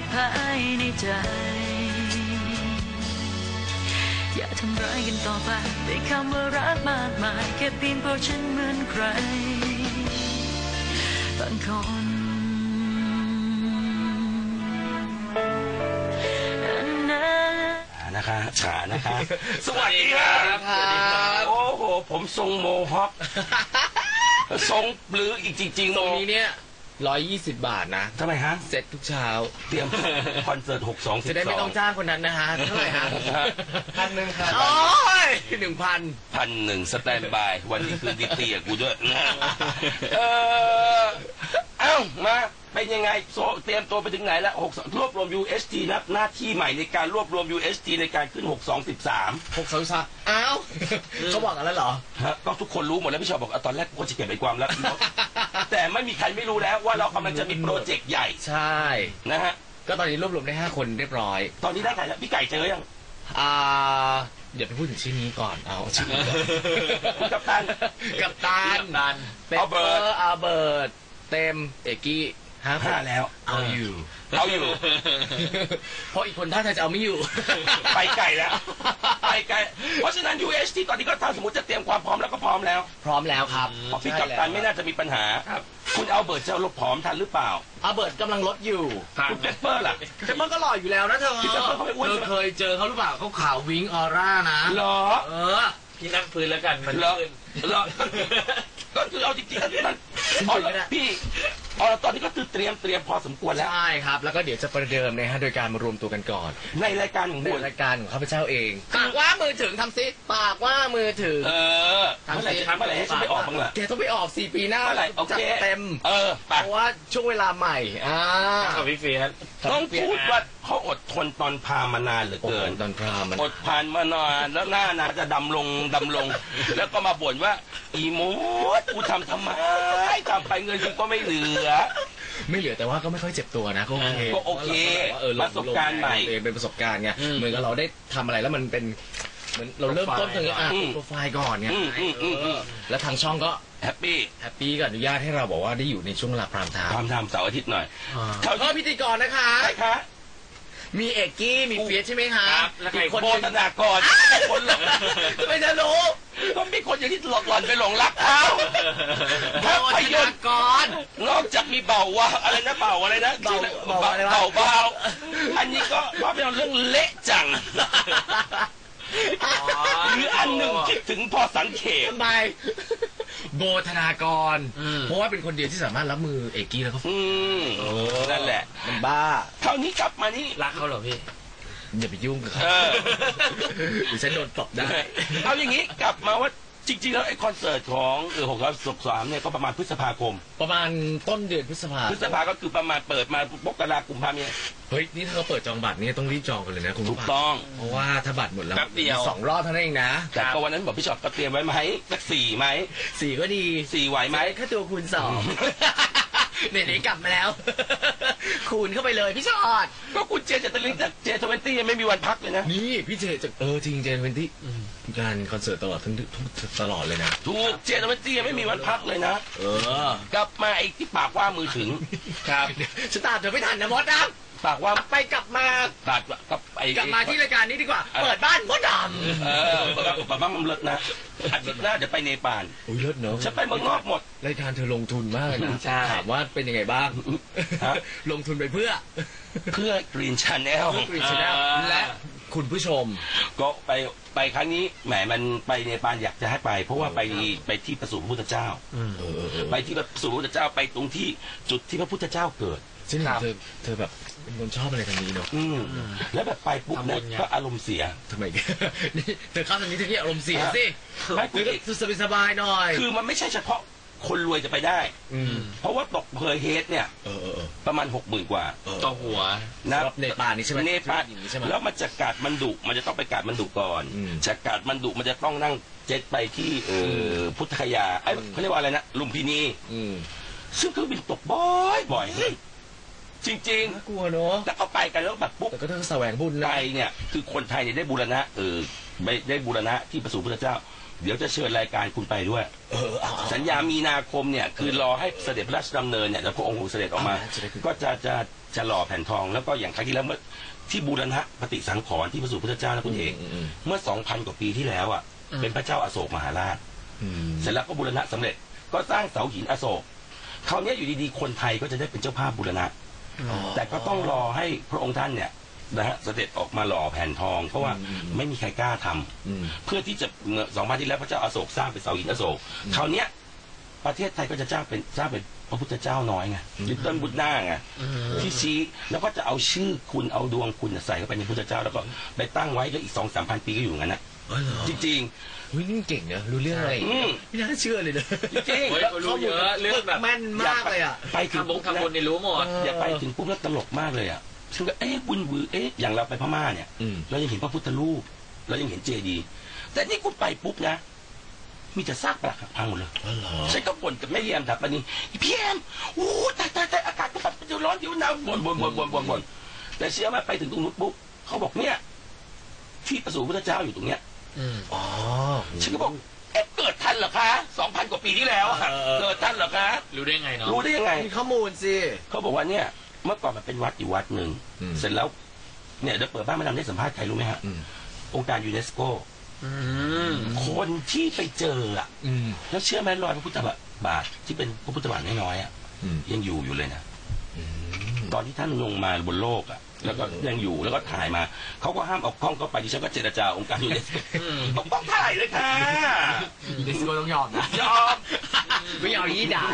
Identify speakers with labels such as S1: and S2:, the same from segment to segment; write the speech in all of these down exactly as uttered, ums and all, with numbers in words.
S1: ภายในใจอย่าทำร้ายกันต่อไปด้วยคำว่ารักมากมายแค่เพียงเพราะฉันเหมือนใครบางคน
S2: นะคะขานะคะสวัสดีครับโอ้โหผมทรงโมฮอคทรงหรืออีกจริงๆ
S3: ตรงนี้เนี่ยร้อยยี่สิบบาทนะ
S2: ทำไมฮะ
S3: เสร็จทุกเช้า
S2: เตรียมคอนเสิร์ตหกสอง
S3: จะได้ไม่ต้องจ้างคนนั้นนะฮะเท่าไหร่ฮะพันหนึ่งครับโอ้ยหนึ่งพัน
S2: พันหนึ่งสแตนบายวันนี้คือดิตีกับกูด้วยนะเออเอ้ามาเป็นยังไงโซเตรียมตัวไปถึงไหนแล้วหกรวบรวม ยู เอส ที นับหน้าที่ใหม่ในการรวบรวม ยู เอส ที ในการขึ้นหกสองสิบสาม
S3: หกสองสามอ้าวเขาบอกกันแล้วเหรอ
S2: ฮะก็ทุกคนรู้หมดแล้วพี่ชอบบอกตอนแรกกูจะเก็บไปความลับแต่ไม่มีใครไม่รู้แล้วว่าเรากำลังจะมีโปรเจกต์ใหญ่
S3: ใช่
S2: นะฮะ
S3: ก็ตอนนี้รวบรวมได้ห้าคนเรียบร้อย
S2: ตอนนี้ได้ใครแล้วพี่ไก่เจอยัง
S3: อ่าเดี๋ยวไปพูดถึงชื่อนี้ก่อนเอาชื่อ
S2: คุณกัปตัน
S3: กัปตันเปเปอร์อาเบิร์ตเต็มเอกกี้ห้า
S2: แล้ว
S3: เอาอยู่
S2: เอาอยู่
S3: เพราะอีกคนท่าทางจะเอาไม่อยู่
S2: ไปไกลแล้วไปไกลเพราะฉะนั้น ยู เอส ที ตอนนี้ก็ถ้าสมมติจะเตรียมความพร้อมแล้วก็พร้อมแล้ว
S3: พร้อมแล้วครับ
S2: เพราะพี่กัปตันไม่น่าจะมีปัญหาคุณเอาเบิร์ตจะลดผอมทันหรือเปล่า
S3: เอาเบิร์ตกำลังลดอยู่
S2: คุณเปเปอร์ล่ะ
S3: เปเปอร์ก็หล่ออยู่แล้วนะเธอ
S2: พี่เปเปอร์เขาไม่อ้วน
S3: เธอเคยเจอเขาหรือเปล่าเขาขาววิ้งออร่านะ
S2: หรอ
S3: เออพี่นั่งพื้นแล้วกันมัน
S2: หรอหรอก็คือเอาจริงๆก็คือมันพี่อ๋อตอนนี้ก็คือเตรียมเตรียมพอสมควรแล้ว
S3: ใช่ครับแล้วก็เดี๋ยวจะประเดิมนะฮะโดยการมารวมตัวกันก่อน
S2: ในรายการของบุญ
S3: รายการของข้าพเจ้าเองปากว่ามือถึงทำซิปากว่ามือถึง
S2: เออทำอะไรทำอะไรให้ฉันไปออกบ้างล่ะ
S3: แกต้องไปออกสี่ปีหน้า
S2: จัด
S3: เต็ม
S2: เออ
S3: เพราะว่าช่วงเวลาใหม่อ่า
S2: ของพี่เฟียสต้องพูดว่าเขาอดทนตอนพามานานเหลือเกิน
S3: ตอนพามัน
S2: อดผ่านมานานแล้วหน้านาจะดำลงดำลงแล้วก็มาบ่นว่าอีโมดกูทำทำไมทำไปเงินกูก็ไม่เหลือ
S3: ไม่เหลือแต่ว่าก็ไม่ค่อยเจ็บตัวนะก็โอเค
S2: ก็โอเคประสบการณ์ใหม่
S3: เป็นประสบการณ์ไงเหมือนกับเราได้ทำอะไรแล้วมันเป็นเหมือนเราเริ่มต้นตรงนี้อ่ะโปรไฟล์ก่อนไงแล้วทางช่องก็
S2: แฮปปี้
S3: แฮปปี้ก็อนุญาตให้เราบอกว่าได้อยู่ในช่วงเวลาพรามไทม์
S2: พรามไทม์เสาร์อาทิตย์หน่อย
S3: เขาก็พิธีกรนะคะ
S2: ใช่คะ
S3: มีเอกกี้มีเฟียสใช่ไหมคะ
S2: อีกคนโบธนากรคนหลง
S3: ไม่จะรู้
S2: ก็มีคนอย่างที่หลอนไปหลงรักเขา
S3: ภาพยนตร์ก่อน
S2: นอกจากมีเบาว่าอะไรนะเบาอะไรนะ
S3: เบาเบาอะไรวะ
S2: เบาเบาอันนี้ก็ภาพยนตร์เรื่องเละจังหรืออันหนึ่งคิดถึงพอสังเขป
S3: ทำไมโบธนากรเพราะว่าเป็นคนเดียวที่สามารถรับมือเอกกี้แล้วก็
S2: นั่นแหละ
S3: มันบ้า
S2: คราวนี้กลับมานี่
S3: รักเขาเหรอพี่อย่าไปยุ่งกับเขาหรือฉันโดนตบได้
S2: เอาอย่างนี้กลับมาว่าจริงๆแล้วไอ้คอนเสิร์ตของเออหกร้อยสิบสามเนี่ยก็ประมาณพฤษภาคม
S3: ประมาณต้นเดือนพฤษภา
S2: พฤษภาก็คือประมาณเปิดมาปกราคมพามี
S3: เฮ้ยนี่ถ้าเราเปิดจองบัตรนี่ต้องรีบจองกันเลยนะคุณ
S2: ถูกต้อง
S3: เพราะว่าถ้าบัตรหมดแล้วสองรอบเท่านั้นเองนะ
S2: แต่ก็วันนั้นบอกพี่ชอบก็เตรียมไว้ไหมสักสี่ไหม
S3: สี่ก็ดี
S2: สี่ไหวไหม
S3: แค่ตัวคูณสองไหนๆกลับมาแล้วคูณเข้าไปเลยพี่ชอด
S2: ก็คุณเจจะตะลิงจากเจทเวนตี้ยังไม่มีวันพักเลยนะ
S3: นี่พี่เจจะเออจริงเจทเวนตี้การคอนเสิร์ตตลอดทั้งตลอดเลยนะ
S2: ถูกเจทเวนตี้ยังไม่มีวันพักเลยนะ
S3: เออก
S2: ลับมาไอ้ที่ปากว่ามือถึง
S3: ครับฉันตามเธอไม่ทันนะมดนะ
S2: ปากว่า
S3: ไปกลับมา
S2: ตัดกับ
S3: ไอ้กลับมาที่รายการนี้ดีกว่าเปิดบ้านมดดำ
S2: เออเปิดบ้านมันเลิศนะอาทิตย์หน้าเดี๋ยวไปเนปาล
S3: โอ้ยเลิศเนอะ
S2: ฉันไปเมืองนอกหมด
S3: รายการเธอลงทุนมากนะถามว่าเป็นยังไงบ้างลงทุนไปเพื่อ
S2: เพื่อกรีนชาแนล
S3: กรีนชาแนลและคุณผู้ชม
S2: ก็ไปไปครั้งนี้แหมมันไปเนปาลอยากจะให้ไปเพราะว่าไปไปที่ประสูติพระพุทธเจ้าไปที่ประสูติพระพุทธเจ้าไปตรงที่จุดที่พระพุทธเจ้าเกิด
S3: ซึ่งเธอเธอแบบเป็นคนชอบอะไรทางนี้เนอะ
S2: แล้วแบบไปปุ๊บเนี่ยก็อารมณ์เสีย
S3: ทำไมนี่เธอเข้าทางนี้เธอที่อารมณ์เสียสิไม่คุยสบายๆหน่อย
S2: คือมันไม่ใช่เฉพาะคนรวยจะไปได้เพราะว่าตกเพอเฮดเนี่ยประมาณหกหมื่นกว่า
S3: ต่อหัว
S2: นะ
S3: เนปาลนี่ใช่ไหม
S2: เนปาลแล้วมันจะกาดมันดุมันจะต้องไปกาดมันดุก่อนจากกาดมันดุมันจะต้องนั่งเจ็ตไปที่พุทธคยาไอ้เขาเรียกว่าอะไรนะลุมพินีซึ่งเครื่องบินตกบ่อยบ่อยจริงๆ
S3: น่ากลัวเนอะ
S2: แต่เขาไปกันแล้วแบบปุ๊บ
S3: แต่ก็ต้องแสวงบุญ
S2: ไปเนี่ยคือคนไทยเนี่ยได้บูรณะเออได้บูรณะที่ประสูติพระเจ้าเดี๋ยวจะเชิญรายการคุณไปด้วยสัญญามีนาคมเนี่ยคือรอให้เสด็จพระราชดำเนินเนี่ยแล้วพระองค์เสด็จออกมา ก็จะจะจะหล่อแผ่นทองแล้วก็อย่างครั้งที่แล้วเมื่อที่บูรณะปฏิสังขรณ์ที่พระสุพุทธเจ้าและคุณเอกเมื่อสองพันกว่าปีที่แล้วอ่ะเป็นพระเจ้าอโศกมหาราชเสร็จแล้วก็บูรณะสำเร็จก็สร้างเสาหินอโศกคราวนี้อยู่ดีๆคนไทยก็จะได้เป็นเจ้าภาพบูรณะแต่ก็ต้องรอให้พระองค์ท่านเนี่ยนะฮะเสด็จออกมาหล่อแผ่นทองเพราะว่าไม่มีใครกล้าทำเพื่อที่จะเมื่อสองพันที่แล้วพระเจ้าอโศกสร้างเป็นเสาหินอโศกคราวนี้ประเทศไทยก็จะจ้างเป็นสร้างเป็นพระพุทธเจ้าน้อยไงลิตเติ้ลบุตน่าไงที่ชี้แล้วก็จะเอาชื่อคุณเอาดวงคุณใส่เข้าไปในพุทธเจ้าแล้วก็ไปตั้งไว้แล้วอีกสองสามพันปีก็อยู่งั้นนะจริงๆ
S3: วินี่เก่งเนอะรู้เรื่องอะไรไม่น่าเชื่อเลยเลย
S2: จริง
S4: ๆรู้เยอะเรื่องแบบ
S3: แม่นมากเลยอ่ะ
S2: ไปถึงปุ๊บ
S4: ทำบุญในรู้หมด
S2: อย่าไปถึงปุ๊บแล้วตลกมากเลยอ่ะซึ่งก็เอ๊ะบุญบือเอ๊ะอย่างเราไปพม่าเนี่ยเรายังเห็นพระพุทธรูปเรายังเห็นเจดีย์แต่นี่คุณไปปุ๊บนะมีแต่ซากปรักหักพังหมดเลยฉันก็บ่นกับแม่เยี่ยมถับปนี้พี่แอมโอ้ตายตายตายอากาศมันเดี๋ยวร้อนเดี๋ยวหนาวบ่นบ่นบ่นบ่นบ่นบ่นแต่เชื่อไหมไปถึงตรงนู้นปุ๊บเขาบอกเนี่ยที่ประสูติพระเจ้าอยู่ตรงเนี้ย
S3: อ๋อ
S2: ฉันก็บอกเอ๊ะเกิดทันเหรอคะสองพันกว่าปีที่แล้วเกิดทันเหรอคะ
S4: รู้ได้ไงเนาะ
S2: รู้ได้ยังไง
S3: มีข้อมูลสิ
S2: เขาบอกว่าเนี่ยเมื่อก่อนมันเป็นวัดอยู่วัดหนึ่งเสร็จแล้วเนี่ยเดี๋ยวเปิดบ้านมาดามได้สัมภาษณ์ใครรู้ไหมฮะองค์การยูเนสโกคนที่ไปเจออ่ะแล้วเชื่อไหมรอยพระพุทธบาทที่เป็นพระพุทธบาทน้อยๆอ่ะยังอยู่อยู่เลยนะตอนที่ท่านลงมาบนโลกอ่ะแล้วก็ยังอยู่แล้วก็ถ่ายมาเขาก็ห้ามเอากล้องเข้าไปดิฉันก็เจรจาองค์การยูเนสโกต้องต้องถ่ายเลยค่ะ
S3: ยูเนสโกต้องยอมนะ
S2: ยอม
S3: ไม่เอายี่ด่า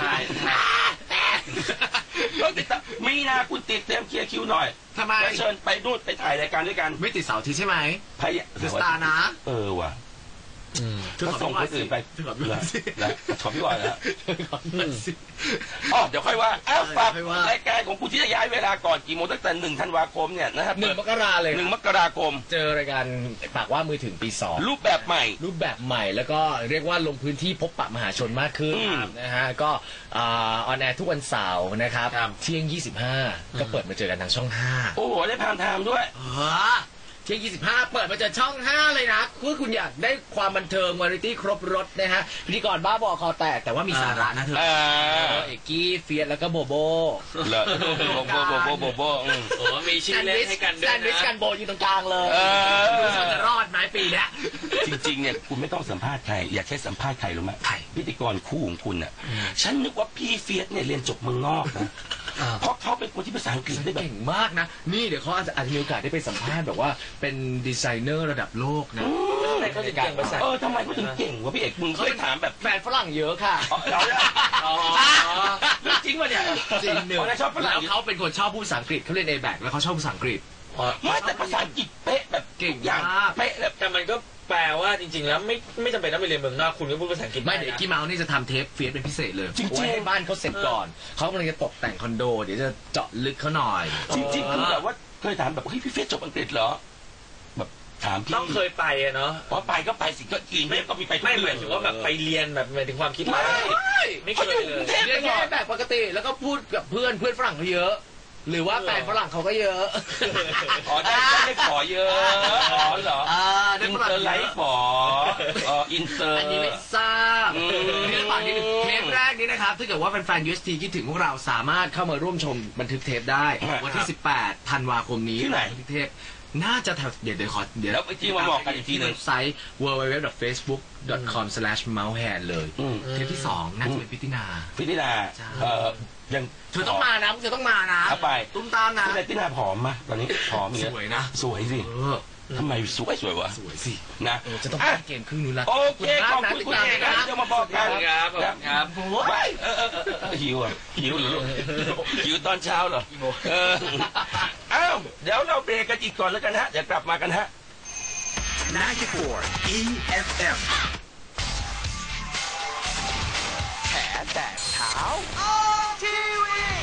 S2: ต้องติดตามมีนาคุณติดเต็มเคลียร์คิวหน่อย
S3: ทำไม
S2: เชิญไปนู่นไปถ่ายรายการด้วยกัน
S3: ไม่ติดเสาร์อาทิตย์ใช่ไหม
S2: พาย
S3: สตาร์นะ
S2: เออว่ะก็ส่งคนอื่นไปแล้วขอพี่วายแล้วอ๋อเดี๋ยวค่อยว่าอ้าวฝากรายการของคุณที่จะย้ายเวลาก่อนกี่โมงตั้งแต่หนึ่งธันวาคมเนี่ยนะครับ
S3: หนึ่งมกราเลย
S2: หนึ่งมกราคม
S3: เจอรายการปากว่ามือถึงปีสอง
S2: รูปแบบใหม่
S3: รูปแบบใหม่แล้วก็เรียกว่าลงพื้นที่พบปะมหาชนมากขึ้นนะฮะก็ออนแอร์ทุกวันเสาร์นะครับเที่ยงยี่สิบห้าก็เปิดมาเจอกันทางช่องห้า
S2: โอ้โหได้พามไทม์ด้วย
S3: เที่ยงยี่สิบห้าเปิดมาจากช่องห้าเลยนะคือคุณอยากได้ความบันเทิงวาไรตี้ครบรสนะฮะพิธีกรบ้าบอคอแตกแต่ว่ามีสาระนะเธอเอกกี้เฟียสแล้วก็โบโบ
S2: โบโบโบโบโบโบ
S4: โอ้มีชื่อเล่นให้กันด้วยนะแซนด์
S3: วิชกันโบอยู่ตรงกลางเลยดูจะรอดไหมปีนี้
S2: จริงๆเนี่ยคุณไม่ต้องสัมภาษณ์ใครอยากใช้สัมภาษณ์ใครรู้ไหมพิธีกรคู่ของคุณอ่ะฉันนึกว่าพี่เฟียสเนี่ยเรียนจบเมืองนอกนะเพราะเขาเป็นคนที่ภาษาอังกฤษได้แบบ
S3: เก่งมากนะนี่เดี๋ยวเขาอาจจะอาจจะมีโอกาสได้ไปสัมภาษณ์แบบว่าเป็นดีไซเนอร์ระดับโลกนะ
S4: ทำไมเขาถึงเก่งภาษา
S2: เออทำไมเขาถึงเก่งวะพี่เอกมึงเคยถามแบบ
S3: แฟนฝรั่งเยอะค่ะ
S2: จริงวะเนี่ย
S3: จริงเนอะแล้วเขาเป็นคนชอบพูดภาษาอังกฤษเขาเรียนเอแบกแล้วเขาชอบภาษาอังกฤษ
S2: ไม่แต่ภาษาอังกฤษเป๊ะแบบ
S3: เก่งอย่าง
S2: เป๊ะแบบ
S4: แต่มันก็แปลว่าจริงๆแล้วไม่ไม่จำเป็นต้องไปเรียนเมืองนอกคุณก็พูดภาษาอังกฤษ
S3: ไม่เดี๋ยวกี้เมาส์นี่จะทำเทปเฟียสเป็นพิเศษเลย
S2: จริงๆ
S3: ให้บ้านเขาเสร็จก่อนเขากำลังจะตกแต่งคอนโดเดี๋ยวจะเจาะลึกเขาหน่อย
S2: จริงๆคือแบบว่าเคยถามแบบเฮ้ยพี่เฟียสจบอังกฤษเหรอแบบถามพี่
S4: ต้องเคยไปอะเนาะ
S2: พอไปก็ไปสิก็กินไม่ก็มีไป
S4: ไม่หมายถึงว่าแบบไปเรียนแบบหมายถึงความคิด
S2: ไม่
S4: ไม่เคยเลย
S3: เรียนแค่แบบปกติแล้วก็พูดกับเพื่อนเพื่อนฝรั่งเขาเยอะหรือว่าแฟนฝรั่งเขาก็เยอะ
S2: อ๋อได้ได้ขอเยอะอ๋อเหรออินเตอร์ไลฟ์ขออ๋ออินเตอร์
S3: อันนี้ไม่ทราบเรื่องฝากนิดนึงเทปแรกนี้นะครับถ้าเกิดว่าแฟนๆ ยู เอส ที คิดถึงพวกเราสามารถเข้ามาร่วมชมบันทึกเทปได้วันที่สิบแปดธันวาคมนี้
S2: ที่ไหน
S3: บันทึกเทปน่าจะแถวเดี๋ยวเดี๋ยวขอ
S2: เดี๋ยวแล้วไปที่มาบอกกันอีกทีนึง
S3: เว็บไซต์ ดับเบิลยู ดับเบิลยู ดับเบิลยู ดอท เฟซบุ๊ก ดอท คอม สแลช เมาส์แฮนด์ เลยเทปที่สองน่าจะเป็นพิธีนา
S2: พิธีนาเอ่อยัง
S3: เธอต้องมานะเธอต้องมานะ
S2: ไป
S3: ตุ้มตามนะ
S2: พิธีนาผอมมาตอนนี้ผอม
S3: สวยนะ
S2: สวยสิทำไมสวยสวยวะ
S3: สวยสิ
S2: นะ
S3: จะต้องเกมครึ่งนู้นละ
S2: โอเคขอบคุณคุณเอกนะที่จะมาบอกกัน
S4: ครับครับ
S2: ไปหิวอ่ะหิวหรือหิวตอนเช้าเหรอเอออ้าวเดี๋ยวเราเบรกกันอีกก่อนแล้วกันฮะเดี๋ยวกลับมากันฮะ
S5: ninety-four อี เอฟ เอ็ม แฉแตกเช้าทีวี